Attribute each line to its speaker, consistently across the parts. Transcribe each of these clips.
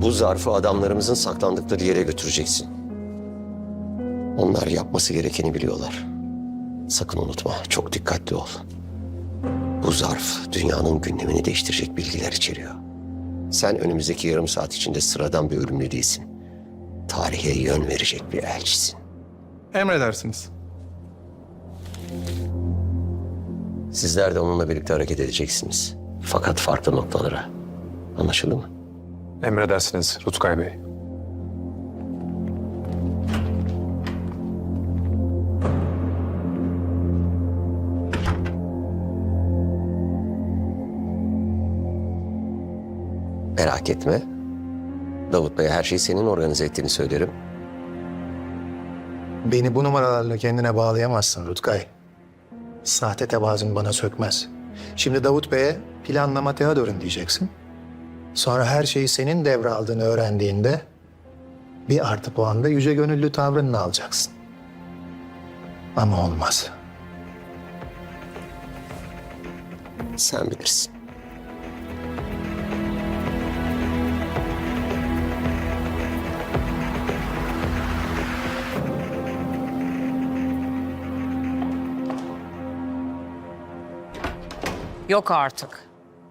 Speaker 1: Bu zarfı adamlarımızın saklandıkları yere götüreceksin. Onlar yapması gerekeni biliyorlar. Sakın unutma, çok dikkatli ol. Bu zarf dünyanın gündemini değiştirecek bilgiler içeriyor. Sen önümüzdeki yarım saat içinde sıradan bir ölümlü değilsin. Tarihe yön verecek bir elçisin.
Speaker 2: Emredersiniz.
Speaker 1: Sizler de onunla birlikte hareket edeceksiniz. Fakat farklı noktalara. Anlaşıldı mı?
Speaker 2: Emredersiniz Rutkay Bey.
Speaker 1: Merak etme. Davut Bey'e her şeyi senin organize ettiğini söylerim.
Speaker 3: Beni bu numaralarla kendine bağlayamazsın Rutkay. Sahte tevazun bana sökmez. Şimdi Davut Bey'e planlama Theodor'un diyeceksin. Sonra her şeyi senin devraldığını öğrendiğinde bir artı puan da yüce gönüllü tavrını alacaksın. Ama olmaz.
Speaker 1: Sen bilirsin.
Speaker 4: Yok artık.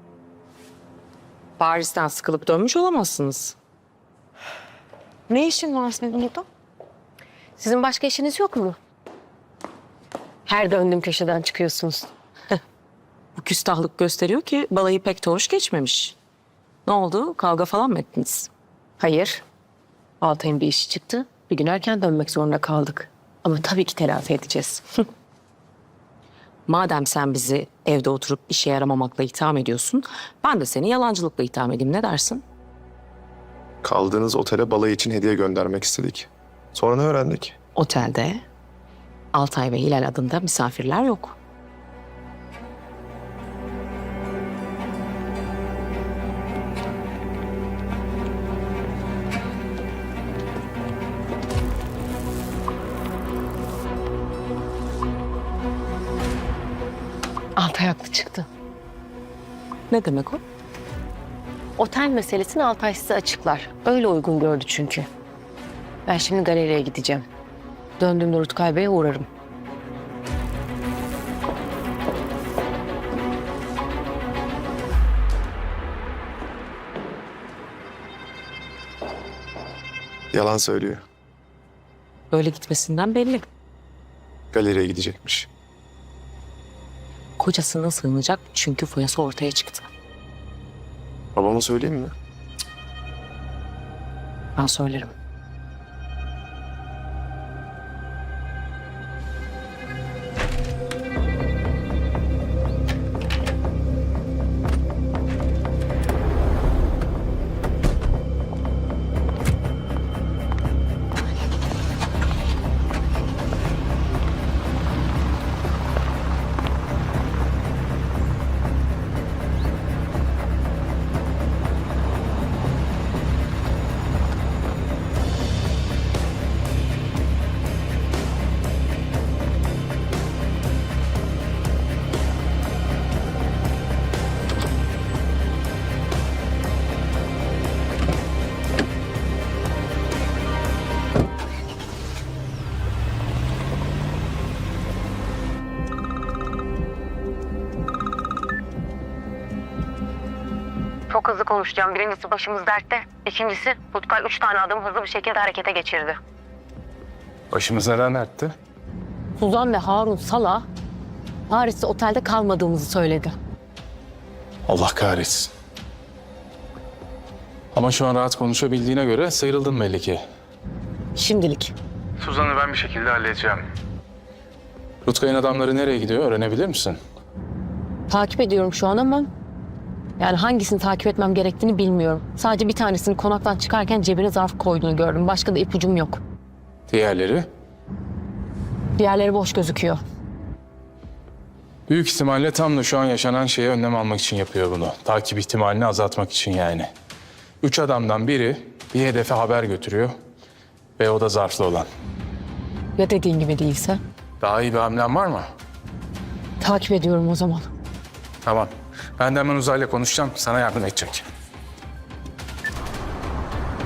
Speaker 4: Paris'ten sıkılıp dönmüş olamazsınız. Ne işin var senin burada?
Speaker 5: Sizin başka işiniz yok mu? Her döndüğüm köşeden çıkıyorsunuz.
Speaker 4: Bu küstahlık gösteriyor ki balayı pek de hoş geçmemiş. Ne oldu? Kavga falan mı ettiniz?
Speaker 5: Hayır. Altay'ın bir işi çıktı. Bir gün erken dönmek zorunda kaldık. Ama tabii ki telafi edeceğiz.
Speaker 4: Madem sen bizi evde oturup işe yaramamakla itham ediyorsun, ben de seni yalancılıkla itham edeyim. Ne dersin?
Speaker 2: Kaldığınız otele balayı için hediye göndermek istedik. Sonra ne öğrendik?
Speaker 4: Otelde Altay ve Hilal adında misafirler yok.
Speaker 5: Altay haklı çıktı.
Speaker 4: Ne demek o?
Speaker 5: Otel meselesini Altay size açıklar. Öyle uygun gördü çünkü. Ben şimdi galeriye gideceğim. Döndüğümde Rutkay Bey'e uğrarım.
Speaker 2: Yalan söylüyor.
Speaker 4: Böyle gitmesinden belli.
Speaker 2: Galeriye gidecekmiş.
Speaker 4: Kocasına sığınacak çünkü foyası ortaya çıktı.
Speaker 2: Babama söyleyeyim mi?
Speaker 4: Ben söylerim.
Speaker 5: Çok hızlı konuşacağım. Birincisi başımız dertte. İkincisi Rutkay 3 tane adım hızlı bir şekilde harekete geçirdi.
Speaker 2: Başımız neden dertti?
Speaker 5: Suzan ve Harun Sala Paris'te otelde kalmadığımızı söyledi.
Speaker 6: Allah kahretsin. Ama şu an rahat konuşabildiğine göre sıyrıldın belli ki.
Speaker 5: Şimdilik.
Speaker 6: Suzan'ı ben bir şekilde halledeceğim. Rutkay'ın adamları nereye gidiyor öğrenebilir misin?
Speaker 5: Takip ediyorum şu an ama yani hangisini takip etmem gerektiğini bilmiyorum. Sadece bir tanesini konaktan çıkarken cebine zarf koyduğunu gördüm. Başka da ipucum yok.
Speaker 6: Diğerleri?
Speaker 5: Diğerleri boş gözüküyor.
Speaker 6: Büyük ihtimalle tam da şu an yaşanan şeye önlem almak için yapıyor bunu. Takip ihtimalini azaltmak için yani. 3 adamdan biri bir hedefe haber götürüyor ve o da zarflı olan.
Speaker 5: Ya dediğin gibi değilse?
Speaker 6: Daha iyi bir hamlen var mı?
Speaker 5: Takip ediyorum o zaman.
Speaker 6: Tamam. Ben de hemen Uzay'la konuşacağım. Sana yardım edecek.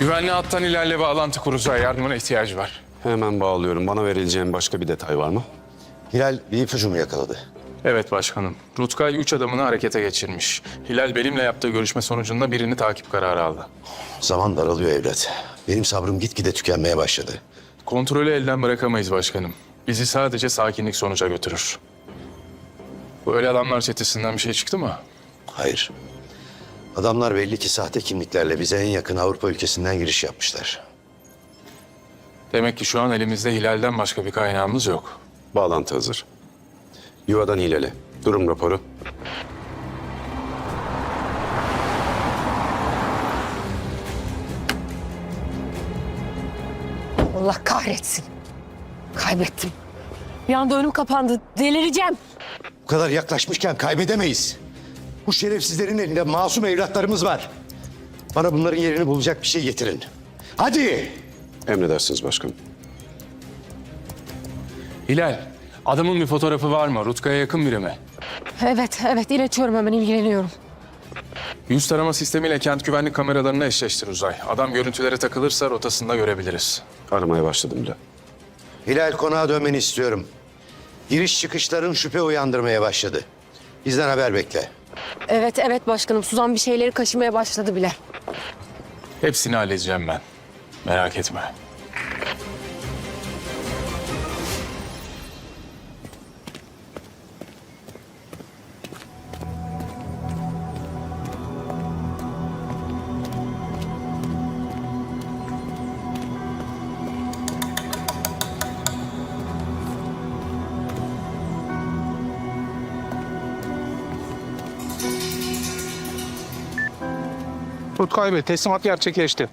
Speaker 6: Güvenli hattan Hilal'le bağlantı kur Uzay. Yardımına ihtiyacı var.
Speaker 7: Hemen bağlıyorum. Bana verileceğin başka bir detay var mı?
Speaker 1: Hilal bir ipucu mu yakaladı?
Speaker 6: Evet başkanım. Rutkay 3 adamını harekete geçirmiş. Hilal benimle yaptığı görüşme sonucunda birini takip kararı aldı.
Speaker 1: Zaman daralıyor evlat. Benim sabrım gitgide tükenmeye başladı.
Speaker 6: Kontrolü elden bırakamayız başkanım. Bizi sadece sakinlik sonuca götürür. Bu öyle adamlar çetesinden bir şey çıktı mı?
Speaker 1: Hayır. Adamlar belli ki sahte kimliklerle bize en yakın Avrupa ülkesinden giriş yapmışlar.
Speaker 6: Demek ki şu an elimizde Hilal'den başka bir kaynağımız yok.
Speaker 7: Bağlantı hazır. Yuvadan Hilal'e. Durum raporu.
Speaker 5: Allah kahretsin. Kaybettim. Bir anda önüm kapandı. Delireceğim.
Speaker 1: Bu kadar yaklaşmışken kaybedemeyiz. Bu şerefsizlerin elinde masum evlatlarımız var. Bana bunların yerini bulacak bir şey getirin. Hadi!
Speaker 7: Emredersiniz başkanım.
Speaker 6: Hilal, adamın bir fotoğrafı var mı? Rutkay'a yakın biri mi?
Speaker 5: Evet iletiyorum, hemen ilgileniyorum.
Speaker 6: Yüz tarama sistemiyle kent güvenlik kameralarını eşleştir Uzay. Adam görüntülere takılırsa rotasında görebiliriz.
Speaker 7: Aramaya başladım bile.
Speaker 1: Hilal konağa dönmeni istiyorum. Giriş çıkışların şüphe uyandırmaya başladı. Bizden haber bekle.
Speaker 5: Evet başkanım, Suzan bir şeyleri kaşımaya başladı bile.
Speaker 6: Hepsini halledeceğim ben. Merak etme.
Speaker 8: Rutkay Bey, teslimat gerçekleşti.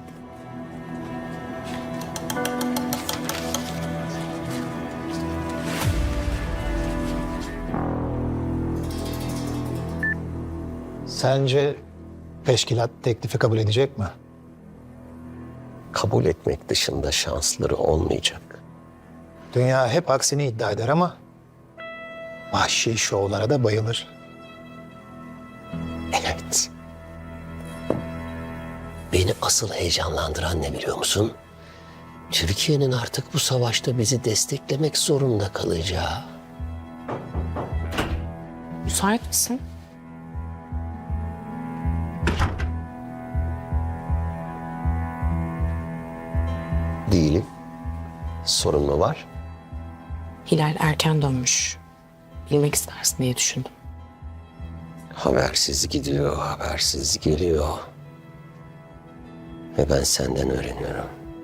Speaker 3: Sence teşkilat teklifi kabul edecek mi?
Speaker 1: Kabul etmek dışında şansları olmayacak.
Speaker 3: Dünya hep aksini iddia eder ama vahşi şovlara da bayılır.
Speaker 1: Evet. Beni asıl heyecanlandıran ne biliyor musun? Türkiye'nin artık bu savaşta bizi desteklemek zorunda kalacağı.
Speaker 4: Müsait misin?
Speaker 1: Değilim. Sorun mu var?
Speaker 4: Hilal erken dönmüş. Bilmek istersin diye düşündüm.
Speaker 1: Habersiz gidiyor, habersiz geliyor. Ve ben senden öğreniyorum.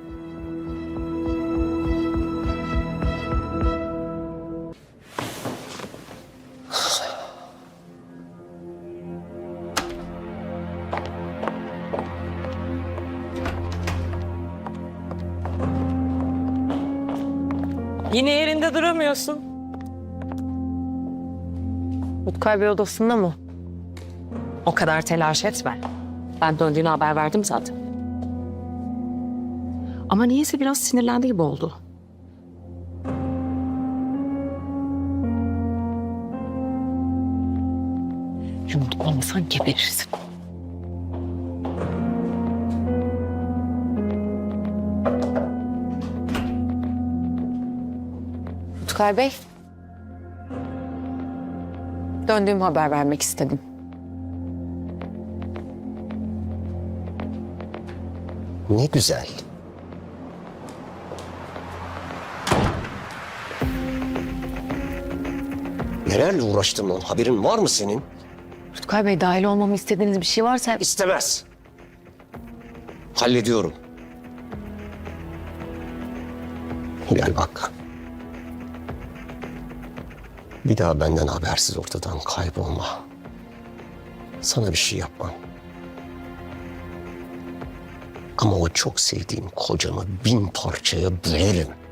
Speaker 4: Yine yerinde duramıyorsun.
Speaker 5: Rutkay Bey odasında mı?
Speaker 4: O kadar telaş etme. Ben döndüğünü haber verdim zaten. Ama niyeyse biraz sinirlendi gibi oldu.
Speaker 5: Yumruk olmasan geberirsin. Rutkay Bey. Döndüğümü haber vermek istedim.
Speaker 1: Ne güzel. Nelerle uğraştım lan? Haberin var mı senin?
Speaker 5: Rutkay Bey, dahil olmamı istediğiniz bir şey varsa...
Speaker 1: İstemez. Hallediyorum. Gel bak. Bir daha benden habersiz ortadan kaybolma. Sana bir şey yapmam. Ama o çok sevdiğim kocamı 1000 parçaya bölerim.